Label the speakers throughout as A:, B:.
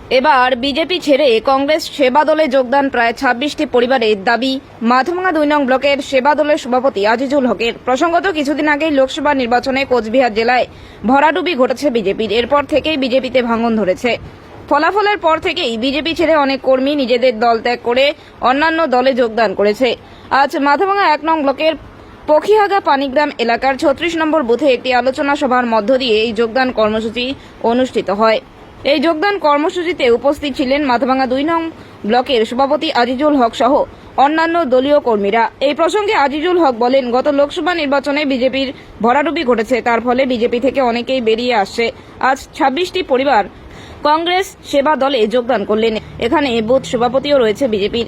A: এবার বিজেপি ছেড়ে কংগ্রেস সেবা দলে যোগদান প্রায় ২৬টি পরিবারের দাবি মাথাভাঙা ২ নং ব্লকের সেবা দলের সভাপতি আজিজুল হকের। প্রসঙ্গত কিছুদিন আগেই লোকসভা নির্বাচনে কোচবিহার জেলায় ভরাডুবি ঘটেছে বিজেপির। এরপর থেকেই বিজেপিতে ভাঙন ধরেছে। ফলাফলের পর থেকেই বিজেপি ছেড়ে অনেক কর্মী নিজেদের দল ত্যাগ করে অন্যান্য দলে যোগদান করেছে। আজ মাথাভাঙা ১ নং ব্লকের পখিহাগা পানিগ্রাম এলাকার ৩৬ নম্বর বুথে একটি আলোচনা সভার মধ্য দিয়ে এই যোগদান কর্মসূচি অনুষ্ঠিত হয়। এই যোগদান কর্মসূচিতে উপস্থিত ছিলেন মাথাভাঙা ২ নং ব্লকের সভাপতি আজিজুল হক সহ অন্যান্য দলীয় কর্মীরা। এই প্রসঙ্গে আজিজুল হক বলেন, গত লোকসভা নির্বাচনে বিজেপির ভরাডুবি ঘটেছে, তার ফলে বিজেপি থেকে অনেকেই বেরিয়ে আসছে। আজ ২৬টি পরিবার কংগ্রেস সেবা দলে যোগদান করলেন। এখানে বুথ সভাপতিও রয়েছে বিজেপির।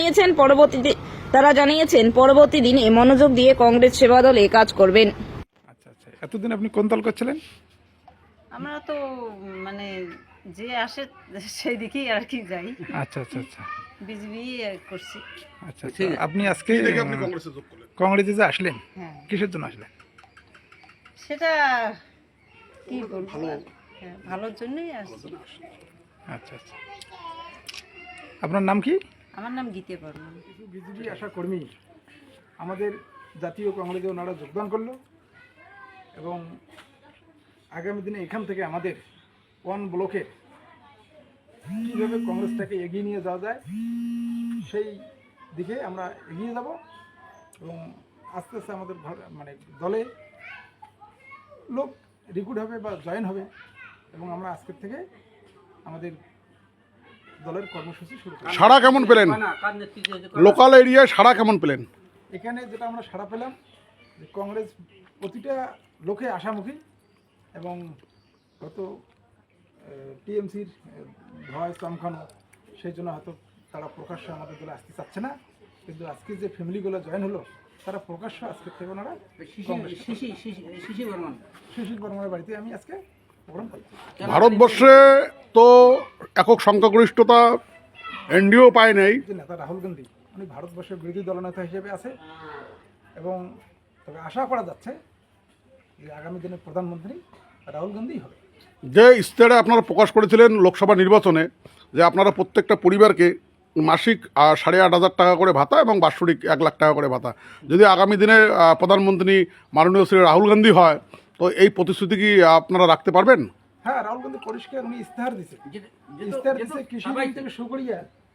A: তারা জানিয়েছেন পরবর্তী দিনে মনোযোগ দিয়ে কংগ্রেস সেবা দলে কাজ করবেন।
B: আচ্ছা আচ্ছা, এতদিন আপনি কোন দল করছিলেন?
C: আমরা তো মানে যে আসে সেই দিকেই আর কি যাই।
B: আচ্ছা আচ্ছা আচ্ছা
C: বিজেপি করছি।
B: আচ্ছা আচ্ছা, আপনি আজকে কংগ্রেসে যে আসলেন,
C: হ্যাঁ,
B: কিসের জন্য আসলেন?
C: সেটা কি বলবো, হ্যাঁ, ভালোর জন্যই আসছি।
B: আচ্ছা আচ্ছা, আপনার নাম কি?
C: আমার নাম গীতে বর্মন।
B: বিজেপি আশা কর্মী আমাদের জাতীয় কংগ্রেসে ওনারা যোগদান করলো এবং আগামী দিনে এখান থেকে আমাদের কোন ব্লকে কীভাবে কংগ্রেসটাকে এগিয়ে নিয়ে যাওয়া যায় সেই দিকে আমরা এগিয়ে যাব এবং আস্তে আস্তে আমাদের মানে দলে লোক রিক্রুট হবে বা জয়েন হবে এবং আমরা আজকের থেকে আমাদের দলের কর্মসূচি শুরু করব।
D: সাড়া কেমন পেলেন? লোকাল এরিয়ায় সাড়া কেমন পেলেন?
B: এখানে যেটা আমরা সাড়া পেলাম যে কংগ্রেস প্রতিটা লোকে আশামুখী এবং হয়তো টিএমসির ভয় চমকানো, সেই জন্য হয়তো তারা প্রকাশ্যে আমাদের দলে আসতে চাচ্ছে না, কিন্তু আজকে যে ফ্যামিলিগুলো জয়েন হলো তারা প্রকাশ্য আজকের থেকে ওনারা শিশির বর্মনের বাড়িতে আমি আজকে প্রোগ্রাম করি।
D: ভারতবর্ষে তো একক সংখ্যাগরিষ্ঠতা এনডিও পায় নাই।
B: যে নেতা রাহুল গান্ধী উনি ভারতবর্ষের বিরোধী দলনেতা হিসেবে আছে এবং তবে আশা করা যাচ্ছে যে আগামী দিনে প্রধানমন্ত্রী রাহুল গান্ধী হবে।
D: যে ইস্তেহারে আপনারা প্রকাশ করেছিলেন লোকসভা নির্বাচনে যে আপনারা প্রত্যেকটা পরিবারকে মাসিক ৮,৫০০ টাকা করে ভাতা এবং বাৎসরিক ১ লাখ টাকা করে ভাতা, যদি আগামী দিনে প্রধানমন্ত্রী মাননীয় শ্রী রাহুল গান্ধী হয় তো এই প্রতিশ্রুতি কি আপনারা রাখতে পারবেন?
B: হ্যাঁ, রাহুল গান্ধী পরিষ্কার উনি ইস্তেহার দিচ্ছে কৃষি বিল থেকে শুরু করিয়া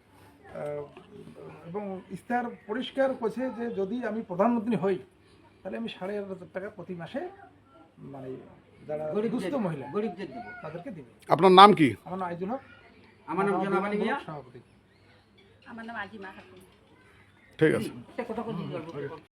B: এবং ইস্তেহার পরিষ্কার করছে যে যদি আমি প্রধানমন্ত্রী হই তাহলে আমি ৮,৫০০ টাকা প্রতি মাসে মানে যারা দুস্থ মহিলা গরিবদের দেবো, তাদেরকে দেবো।
D: আপনার নাম কি?
B: আমার নাম আইজুল হক।
C: আমার নাম জনাবালি মিয়া।
B: সভাপতি।
C: আমার নাম আজিমা খাতুন।
D: ঠিক আছে।